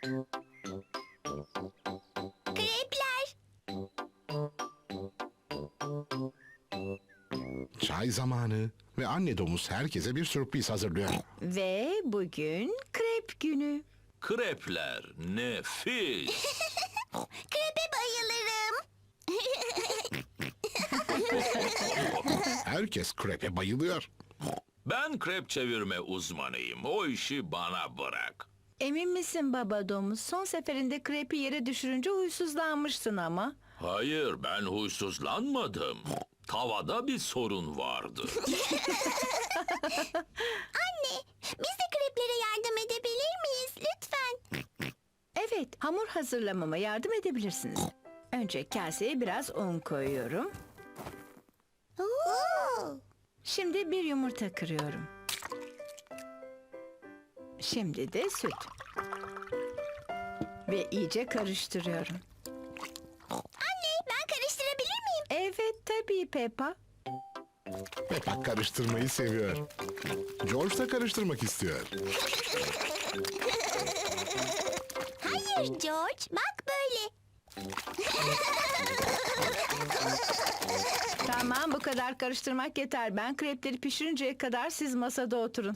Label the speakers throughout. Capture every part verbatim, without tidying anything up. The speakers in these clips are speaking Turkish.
Speaker 1: Krepler.
Speaker 2: Çay zamanı ve anne domuz herkese bir sürpriz hazırlıyor.
Speaker 3: Ve bugün krep günü.
Speaker 4: Krepler nefis.
Speaker 1: Krepe bayılırım.
Speaker 2: Herkes krepe bayılıyor.
Speaker 4: Ben krep çevirme uzmanıyım. O işi bana bırak.
Speaker 3: Emin misin baba domuz? Son seferinde krepi yere düşürünce huysuzlanmıştın ama.
Speaker 4: Hayır, ben huysuzlanmadım. Tavada bir sorun vardı.
Speaker 1: Anne, biz de kreplere yardım edebilir miyiz lütfen?
Speaker 3: Evet, hamur hazırlamama yardım edebilirsiniz. Önce kaseye biraz un koyuyorum.
Speaker 1: Oo.
Speaker 3: Şimdi bir yumurta kırıyorum. Şimdi de süt. Ve iyice karıştırıyorum.
Speaker 1: Anne, ben karıştırabilir miyim?
Speaker 3: Evet tabii Peppa.
Speaker 2: Peppa karıştırmayı seviyor. George da karıştırmak istiyor.
Speaker 1: Hayır George, bak böyle.
Speaker 3: Tamam bu kadar karıştırmak yeter. Ben krepleri pişirinceye kadar siz masada oturun.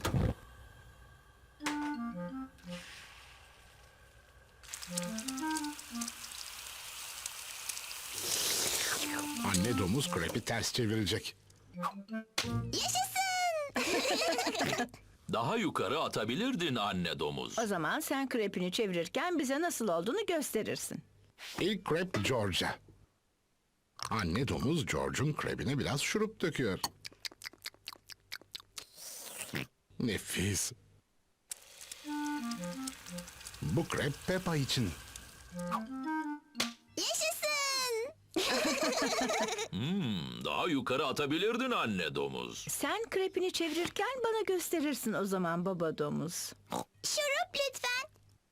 Speaker 2: Anne domuz krepi ters çevirecek.
Speaker 1: Yaşasın.
Speaker 4: Daha yukarı atabilirdin anne domuz.
Speaker 3: O zaman sen krepini çevirirken bize nasıl olduğunu gösterirsin.
Speaker 2: İlk krep George'a. Anne domuz George'un krebine biraz şurup döküyor. Nefis. Bu krep Peppa için.
Speaker 1: Yaşasın.
Speaker 4: Hmm, daha yukarı atabilirdin anne domuz.
Speaker 3: Sen krepini çevirirken bana gösterirsin o zaman baba domuz.
Speaker 1: Şurup lütfen.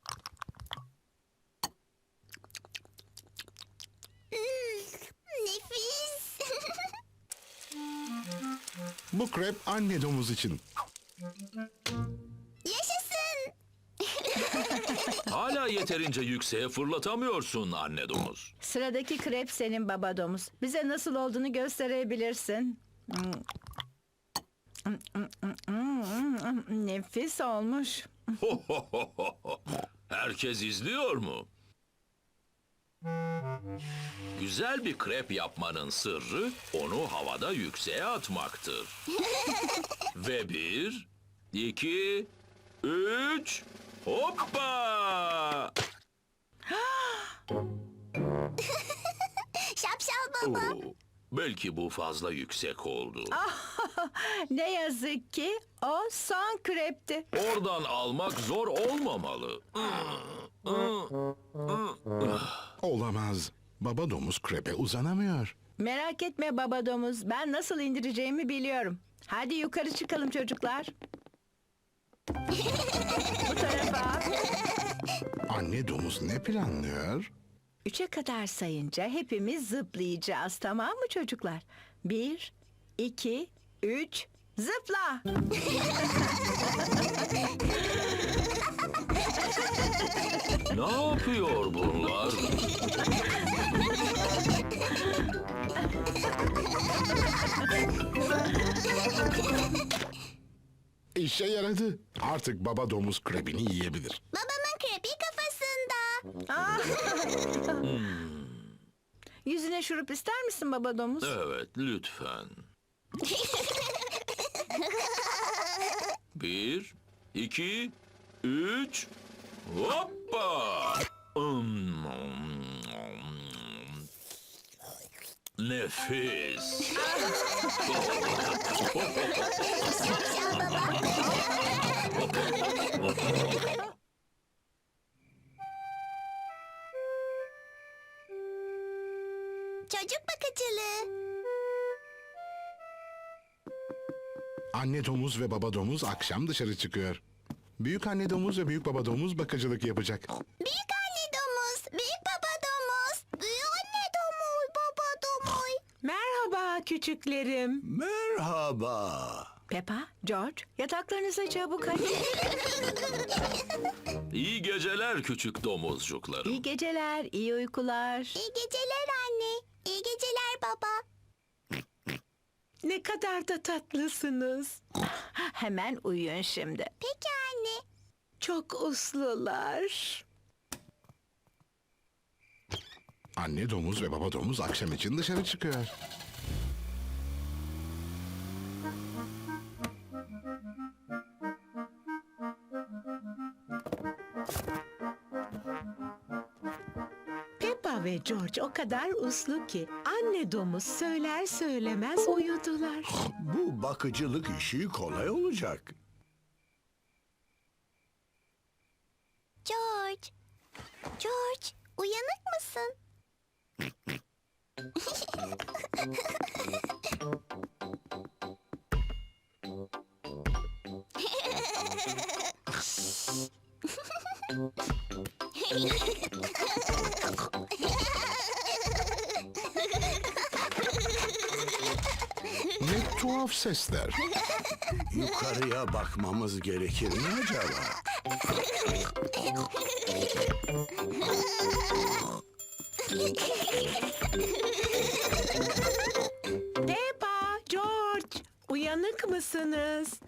Speaker 1: Hmm, nefis.
Speaker 2: Bu krep anne domuz için.
Speaker 1: Yaşasın.
Speaker 4: Hala yeterince yükseğe fırlatamıyorsun anne domuz.
Speaker 3: Sıradaki krep senin baba domuz. Bize nasıl olduğunu gösterebilirsin. Nefis olmuş.
Speaker 4: Herkes izliyor mu? Güzel bir krep yapmanın sırrı onu havada yükseğe atmaktır. Ve bir, iki, üç, hoppa!
Speaker 1: Şapşal baba.
Speaker 4: Oo, belki bu fazla yüksek oldu.
Speaker 3: Ne yazık ki o son krepti.
Speaker 4: Oradan almak zor olmamalı.
Speaker 2: Olamaz. Baba domuz krepe uzanamıyor.
Speaker 3: Merak etme baba domuz. Ben nasıl indireceğimi biliyorum. Hadi yukarı çıkalım çocuklar. Bu tarafa.
Speaker 2: Anne domuz ne planlıyor?
Speaker 3: Üçe kadar sayınca hepimiz zıplayacağız, tamam mı çocuklar? Bir, iki, üç, zıpla!
Speaker 4: Ne yapıyor bunlar?
Speaker 2: İşe yaradı. Artık baba domuz krebini yiyebilir.
Speaker 1: Babamın krepi kafasında.
Speaker 3: Yüzüne şurup ister misin baba domuz?
Speaker 4: Evet, lütfen. Bir, iki, üç, hoppa! Hmm. Nefis.
Speaker 1: Çocuk bakıcılığı.
Speaker 2: Anne domuz ve baba domuz akşam dışarı çıkıyor. Büyük anne domuz ve büyük baba domuz bakıcılık yapacak.
Speaker 1: Büyük anne domuz, büyük baba domuz, büyük anne domuz, baba domuz.
Speaker 3: Merhaba küçüklerim.
Speaker 5: Merhaba.
Speaker 3: Peppa, George, yataklarınıza çabuk hadi.
Speaker 4: İyi geceler küçük domuzcuklarım.
Speaker 3: İyi geceler, iyi uykular.
Speaker 1: İyi geceler anne. İyi geceler baba.
Speaker 3: Ne kadar da tatlısınız. Hemen uyuyun şimdi.
Speaker 1: Peki anne.
Speaker 3: Çok uslular.
Speaker 2: Anne domuz ve baba domuz akşam için dışarı çıkıyor.
Speaker 5: Peppa ve George o kadar uslu ki anne domuz söyler söylemez uyudular.
Speaker 6: Bu bakıcılık işi kolay olacak.
Speaker 1: George. George, uyanık mısın?
Speaker 2: Ne tuhaf sesler.
Speaker 6: Yukarıya bakmamız gerekir mi acaba?
Speaker 5: Peppa, George, uyanık mısınız?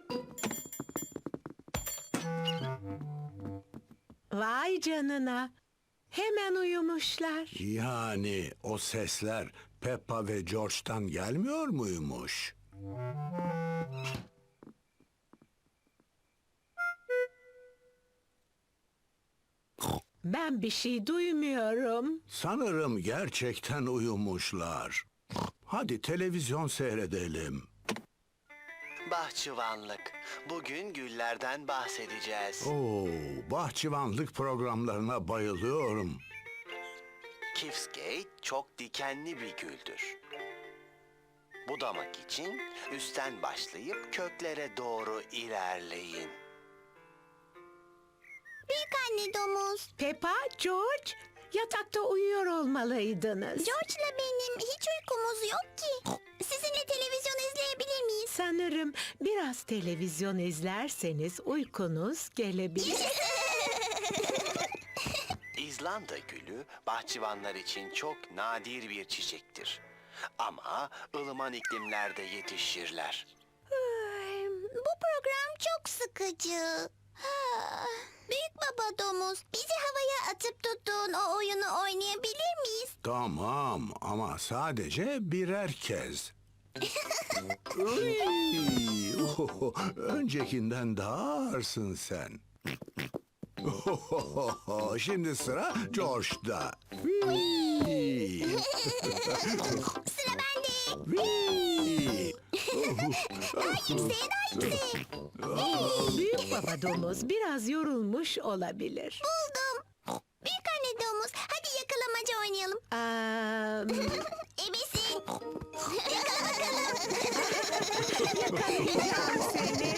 Speaker 5: Vay canına. Hemen uyumuşlar.
Speaker 6: Yani o sesler Peppa ve George'tan gelmiyor muymuş?
Speaker 5: Ben bir şey duymuyorum.
Speaker 6: Sanırım gerçekten uyumuşlar. Hadi televizyon seyredelim.
Speaker 7: Bahçıvanlık. Bugün güllerden bahsedeceğiz.
Speaker 6: Oo, bahçıvanlık programlarına bayılıyorum.
Speaker 7: Kifsgate çok dikenli bir güldür. Budamak için üstten başlayıp köklere doğru ilerleyin.
Speaker 1: Büyük anne domuz.
Speaker 5: Peppa, George, yatakta uyuyor olmalıydınız.
Speaker 1: George'la benim hiç uykumuz yok ki. Sizinle televizyon izleyebilir miyiz?
Speaker 5: Sanırım biraz televizyon izlerseniz uykunuz gelebilir.
Speaker 7: İzlanda gülü bahçıvanlar için çok nadir bir çiçektir. Ama ılıman iklimlerde yetişirler.
Speaker 1: Ay, bu program çok sıkıcı. Ha, Büyük baba domuz, bizi havaya atıp tuttuğun o oyunu oynayabilir miyiz?
Speaker 6: Tamam ama sadece birer kez. Uy, ohoho, öncekinden daha ağırsın sen. Ohohoho, şimdi sıra George'da. Uy,
Speaker 1: Sıra bende.
Speaker 6: uy.
Speaker 1: Yükseğe daha yükseğe.
Speaker 5: Büyük baba domuz biraz yorulmuş olabilir.
Speaker 1: Buldum. Büyük anne domuz, hadi yakalamaca oynayalım.
Speaker 5: Aa,
Speaker 1: Ebesin. Yakala bakalım.
Speaker 5: yakalayacağım seni.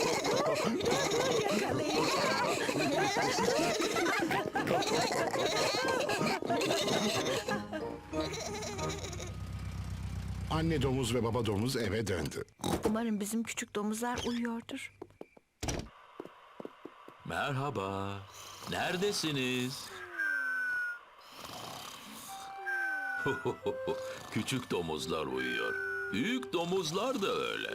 Speaker 5: Yakalayacağım.
Speaker 2: Anne domuz ve baba domuz eve döndü.
Speaker 3: Umarım bizim küçük domuzlar uyuyordur.
Speaker 4: Merhaba. Neredesiniz? Küçük domuzlar uyuyor. Büyük domuzlar da öyle.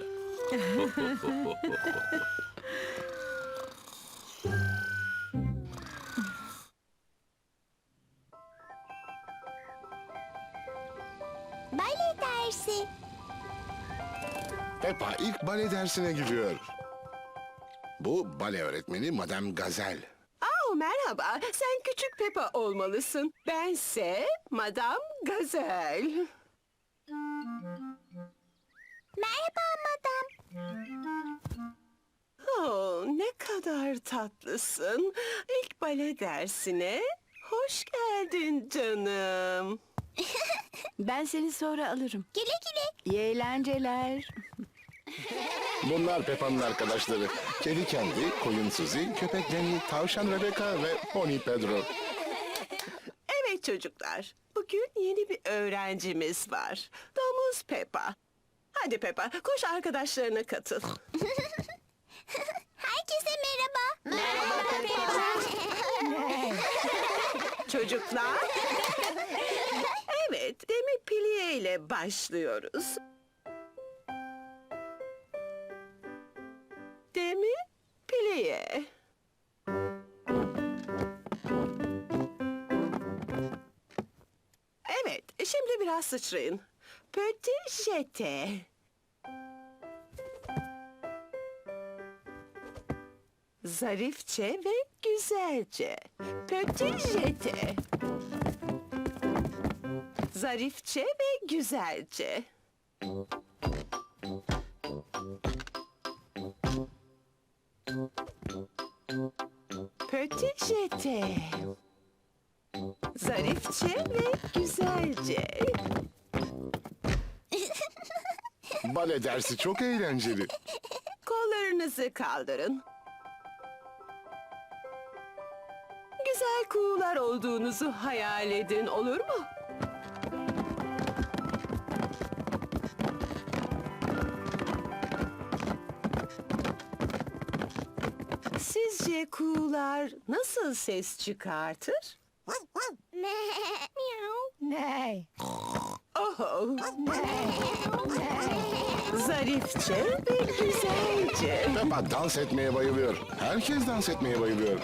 Speaker 1: Bale dersi.
Speaker 2: Peppa ilk bale dersine gidiyor. Bu bale öğretmeni Madame Gazel.
Speaker 8: Oh, merhaba. Sen küçük Peppa olmalısın. Bense Madame Gazel.
Speaker 1: Merhaba madam.
Speaker 8: Oh, ne kadar tatlısın. İlk bale dersine hoş geldin canım.
Speaker 3: Ben seni sonra alırım.
Speaker 1: Güle güle.
Speaker 3: İyi eğlenceler.
Speaker 2: Bunlar Peppa'nın arkadaşları. Kedi Kendi, koyun Suzy, köpek Danny, tavşan Rebecca ve pony Pedro.
Speaker 8: Evet çocuklar, bugün yeni bir öğrencimiz var. Domuz Peppa. Hadi Peppa, koş arkadaşlarına katıl.
Speaker 1: Herkese merhaba. Merhaba
Speaker 8: Çocuklar. Evet, Demi Plié ile başlıyoruz. Demi Plié. Evet, şimdi biraz sıçrayın. Petit jeté. Zarifçe ve güzelce. Petit jeté. Zarifçe ve güzelce. Petit jeté. Zarifçe ve güzelce.
Speaker 2: Bale dersi çok eğlenceli.
Speaker 8: Kollarınızı kaldırın. Güzel kuğular olduğunuzu hayal edin, olur mu? Sizce kuğular nasıl ses çıkartır?
Speaker 3: Ne?
Speaker 8: Oho. Zarifçe ve güzelce.
Speaker 2: Peppa dans etmeye bayılıyor. Herkes dans etmeye bayılıyor.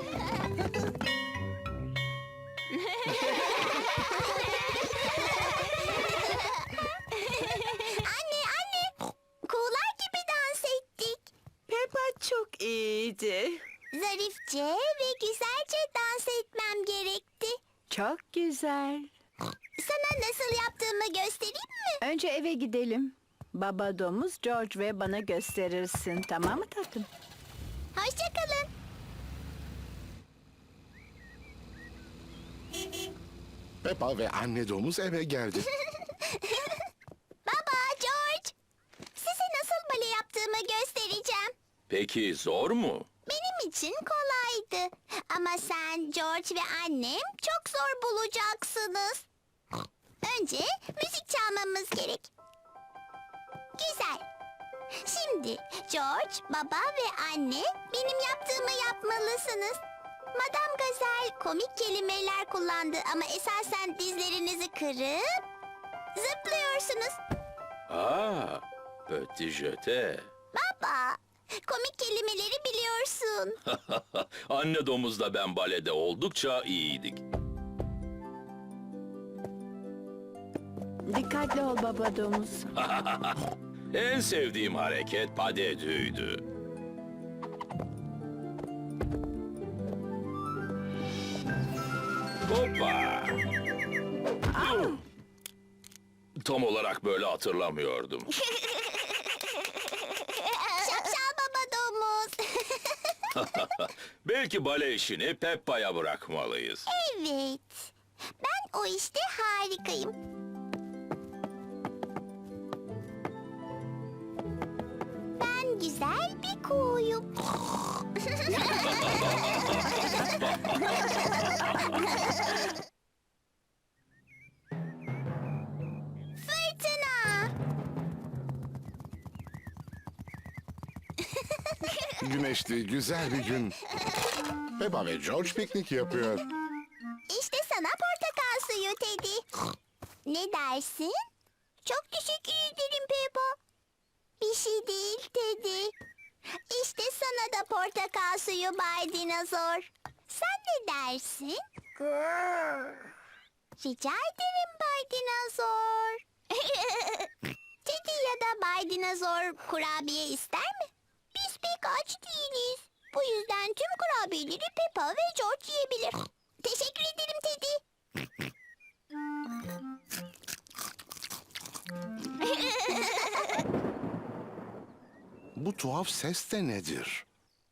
Speaker 1: Anne anne. Kuğular gibi dans ettik.
Speaker 8: Peppa çok iyiydi.
Speaker 1: Zarifçe ve güzelce dans etmem gerekti.
Speaker 3: Çok güzel.
Speaker 1: Sana nasıl yaptığımı göstereyim mi?
Speaker 3: Önce eve gidelim. Baba domuz, George ve bana gösterirsin. Tamam mı tatlım?
Speaker 1: Hoşça kalın.
Speaker 2: Peppa ve anne domuz eve geldi.
Speaker 1: Baba, George. Size nasıl bale yaptığımı göstereceğim.
Speaker 4: Peki zor mu?
Speaker 1: Benim için kolaydı. Ama sen, George ve annem çok zor bulacaksınız. Önce müzik çalmamız gerek. Güzel. Şimdi George, baba ve anne benim yaptığımı yapmalısınız. Madame Gazelle komik kelimeler kullandı ama esasen dizlerinizi kırıp zıplıyorsunuz.
Speaker 4: Aa, petit jeté.
Speaker 1: Baba, komik kelimeleri biliyorsun.
Speaker 4: Anne domuzla ben balede oldukça iyiydik.
Speaker 3: Dikkatli ol baba domuz.
Speaker 4: En sevdiğim hareket padedüydü. Hoppa! Tam olarak böyle hatırlamıyordum.
Speaker 1: Şapşal baba domuz.
Speaker 4: Belki bale işini Peppa'ya bırakmalıyız.
Speaker 1: Evet. Ben o işte harikayım. Ben güzel bir kuğuyum. Fırtına.
Speaker 2: Güneşli, güzel bir gün. Peppa ve George piknik yapıyor.
Speaker 1: İşte sana portakal suyu Teddy. Ne dersin? Çok teşekkür ederim Peppa. Bir şey değil Teddy. İşte sana da portakal suyu Bay Dinozor. Sen ne dersin? Rica ederim Bay Dinozor. Teddy ya da Bay Dinozor kurabiye ister mi? Biz pek aç değiliz. Bu yüzden tüm kurabiyeleri Peppa ve George yiyebilir. Teşekkür ederim Teddy.
Speaker 2: Bu tuhaf ses de nedir?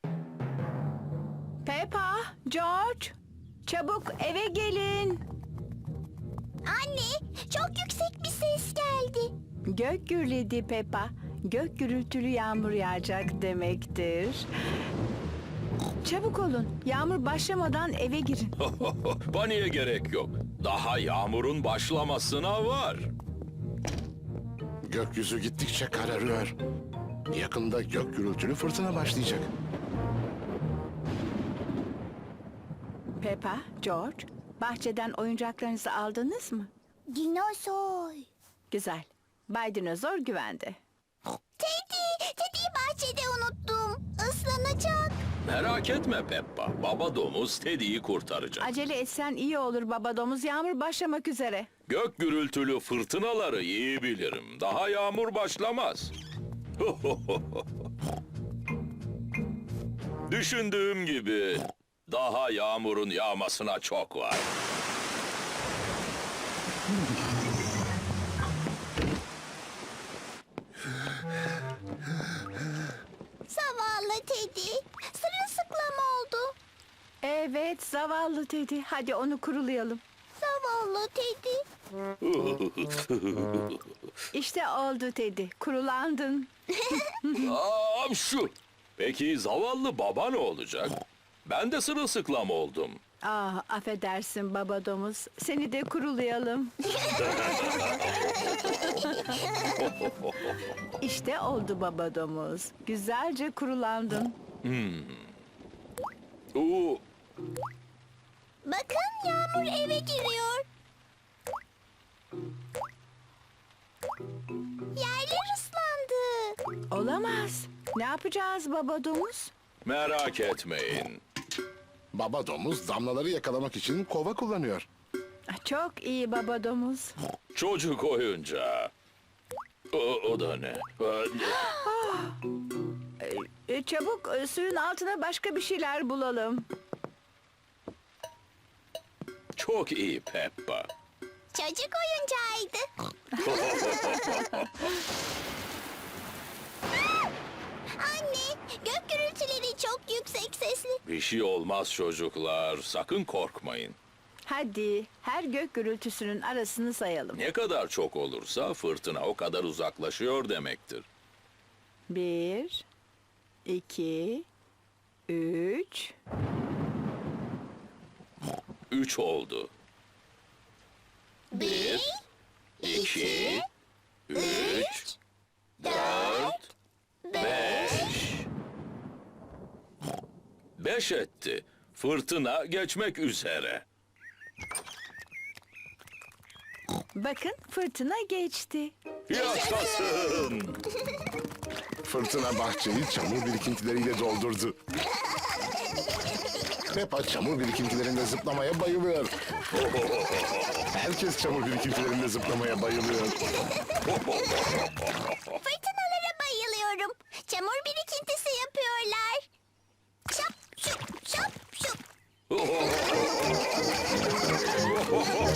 Speaker 3: Peppa, George, çabuk eve gelin.
Speaker 1: Anne, çok yüksek bir ses geldi.
Speaker 3: Gök gürledi Peppa. Gök gürültülü yağmur yağacak demektir. Çabuk olun. Yağmur başlamadan eve girin.
Speaker 4: Paniğe gerek yok. Daha yağmurun başlamasına var.
Speaker 2: Gökyüzü gittikçe kararıyor. Yakında gök gürültülü fırtına başlayacak.
Speaker 3: Peppa, George, bahçeden oyuncaklarınızı aldınız mı?
Speaker 1: Dinozor.
Speaker 3: Güzel. Bay Dinozor güvende.
Speaker 1: Teddy, Teddy'yi bahçede unuttum. Islanacak.
Speaker 4: Merak etme Peppa. Baba domuz Teddy'yi kurtaracak.
Speaker 3: Acele etsen iyi olur baba domuz. Yağmur başlamak üzere.
Speaker 4: Gök gürültülü fırtınaları iyi bilirim. Daha yağmur başlamaz. Düşündüğüm gibi daha yağmurun yağmasına çok var.
Speaker 1: Zavallı Teddy. Sırılsıklam oldu.
Speaker 3: Evet, zavallı Teddy. Hadi onu kurulayalım.
Speaker 1: Zavallı Teddy.
Speaker 3: İşte oldu Teddy. Kurulandın.
Speaker 4: Aa, şu. Peki zavallı baba ne olacak? Ben de sırılsıklam oldum.
Speaker 3: Ah, affedersin baba domuz. Seni de kurulayalım. İşte oldu baba domuz. Güzelce kurulandın.
Speaker 4: Oo,
Speaker 1: Bakın yağmur eve giriyor. Yerler ıslandı.
Speaker 3: Olamaz. Ne yapacağız baba domuz?
Speaker 4: merak etmeyin.
Speaker 2: Baba domuz damlaları yakalamak için kova kullanıyor.
Speaker 3: Ah, çok iyi baba domuz.
Speaker 4: Çocuk oyuncağı. O, o da ne?
Speaker 3: E, çabuk e, suyun altına başka bir şeyler bulalım.
Speaker 4: Çok iyi Peppa.
Speaker 1: Çocuk oyuncağıydı. Anne, gök gürültüleri çok yüksek sesli.
Speaker 4: Bir şey olmaz çocuklar. Sakın korkmayın.
Speaker 3: Hadi her gök gürültüsünün arasını sayalım.
Speaker 4: Ne kadar çok olursa fırtına o kadar uzaklaşıyor demektir.
Speaker 3: Bir, iki, üç.
Speaker 4: Üç oldu. Bir, iki, üç, dört, beş. Beş etti. Fırtına geçmek üzere.
Speaker 3: Bakın fırtına geçti.
Speaker 4: Yaşasın.
Speaker 2: Fırtına bahçeyi çamur birikintileriyle doldurdu. Peppa çamur birikintilerinde zıplamaya bayılıyor. Herkes çamur birikintilerinde zıplamaya bayılıyor.
Speaker 1: Fırtınalara bayılıyorum. Çamur birikintisi yapıyorlar. Şap şup şap şup.